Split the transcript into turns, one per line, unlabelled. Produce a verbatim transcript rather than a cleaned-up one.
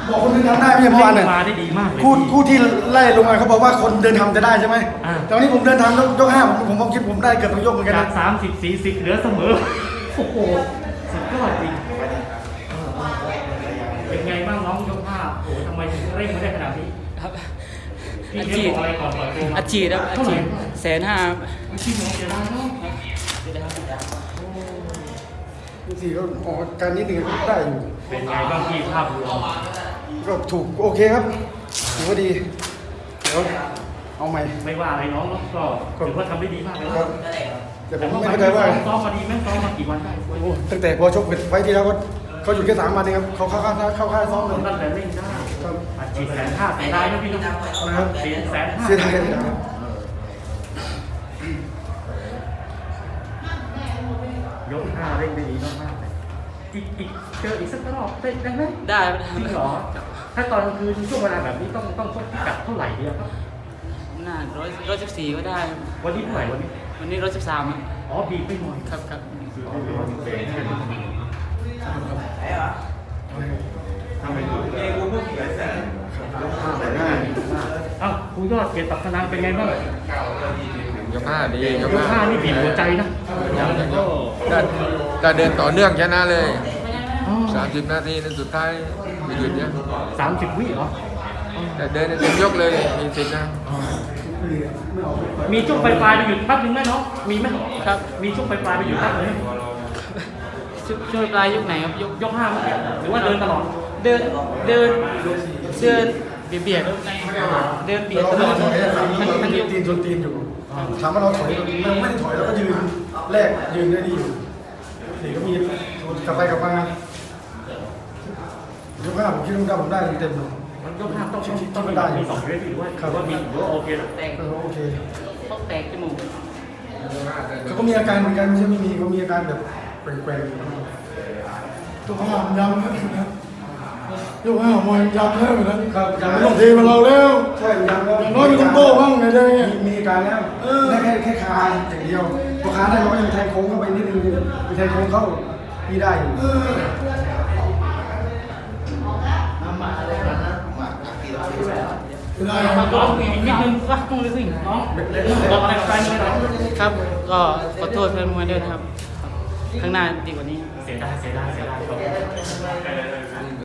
บอกคนเดินทำได้ไม่ใช่เมื่อวานเนี่ย
มาได้ดีมากเลย
คู่คู่ที่ไล่ลงมาเขาบอกว่าคนเดินทำจะได้ใช่ไหมแต่วันนี้ผมเดินทำยกห้าผมผมคิดผมได้เกือบทั้งยกเหมือนกัน
จา
นะ
กสามสิบสี่สิบเหลือเสมอโอ้โหสุดยอดจริงเป็นไงบ้างน้องยกห้าโอ้ทำไมถึงเร่งมาได้ขนาดนี้
ครับ
พี่
อา
เลี้
ชี
ย
พ
งบอกอะไรก่อนปล่อยตัวมา
อาชีพครับอาชีพแสนห้า
อาชีพของเสียดายเนาะ
คู่สี่ก็ออกการนิดนึงก็ได้อยู่
เป็นไงบ้างพี่ภาพรวม
ก็ถูกโอเคครับถือว่าดีเดี๋ยวเอาใหม่
ไม่ว่าอะไรน้องเนาะก็ถือว่าทำได้ดีมากเลย
ครับแต่ผมไม่เข้าใจว่า
ซ้อมมาดีไหมซ้อมมากี่วันได้
โอ้ตั้งแต่พอชกไฟที่แล้วก็เขาอยู่แค่สามวันเองครับเขาเข้าค่ายเข้าค่ายซ้อมเลย
ตั้งแต่เล่นได้
ครับ
อัดฉีดแสนห้าเสียดายนะพี่น้อง
นะครับ
เสียแสนห้า
เสียดายเสียดายครับ
ยกห้าเร่งได้ดีมากๆเลยอีกอีกเจออีกสักรอบได้ได้ไหม
ได้
จริงเหรอถ้าตอนกลางคืนช่วงเวลาแบบนี้ต้องต้องชกพิกัดเท่าไหร่ดีครับ
น่าร้อยร้อยสิบสี่ก็ได้
วันนี้เท่าไหร่วันนี้
วันนี้ร้อยสิบสาม
อ๋อบีบไปหน่อย
ครับครับ
คือเอาไปวันเสร็จแค่นี้ทำไมดูเองกูเพิ่งเขียนเสร็จห้าแต่ง่ายมากเอ้าครูยอดเกียรติตักธนานเป็นไงบ้าง
ยกห้าดี
ยกห้านี่บีบหัวใจนะ
ก็ก็เดินต่อเนื่องชนะเลย
อ๋อ
สามสิบนาทีในสุดท้ายไม่หยุดเนี่ย
สามสิบวิเหรอ
แต่เดินในเต็มยกเลยมีสิทธิ์นะ
มีช่วงปลายๆไปหยุดพักหนึ่งไหมน้องมีไหม
ครับ
มีช่วงปลายๆไปหยุดพักหนึ่งไหม
ช่วยช่วยปลายยกไหนครับยก
ยกห้าเมื่อกี้หรือว่าเดินตลอด
เดินเดินเดินเบียดเบียดเดินเบียด
เรา
ตล
ไม่
อด
ได้ถอยนะ
มันมัน
ยื
ย
น
ก
ตีนชนตีนอยู่ถามว่าเราถอยเราไม่ได้ถอยเราก็ยืนแรกยืนได้ดีอยู่นี่ก็มีกลับไปกลับมายกห้าผมคิดว่าผมได้เต็มเลย
มันยกห้าต้องต้องต้องได้มีสองเวทีหรือว่าหรือว่ามีหรือว่าโอเคแล้ว
แตก
เออโอเค
เขาแตกจมูก
เขาก็มีอาการเหมือนกันไม่ใช่ไม่มีเขามีอาการแบบแปลกๆตัวห้ามยำนะครับยกห้ามวยยำแล้วเหมือนกันครับยำต้องทีมาเราแล้วใช่ยำแล้วอย่างน้อยมีต้องโต้บ้างไงได้มีอาการแล้วได้แค่แค่คาอย่างเดียวพอคาได้เราก็ยังแทงโค้งเข้าไปนิดนึงมีแทงโค้งเข้าพี่ได้อยู่
น้องอีกนิดนึงก็ต้องเลยสิน้องบอกอะไรกับแฟนมวยหน่อย
ครับก็ขอโทษแฟนมวยด้วยนะครับ ข้างหน้าดีกว่านี้
เสียดายเสียดายเสียดาย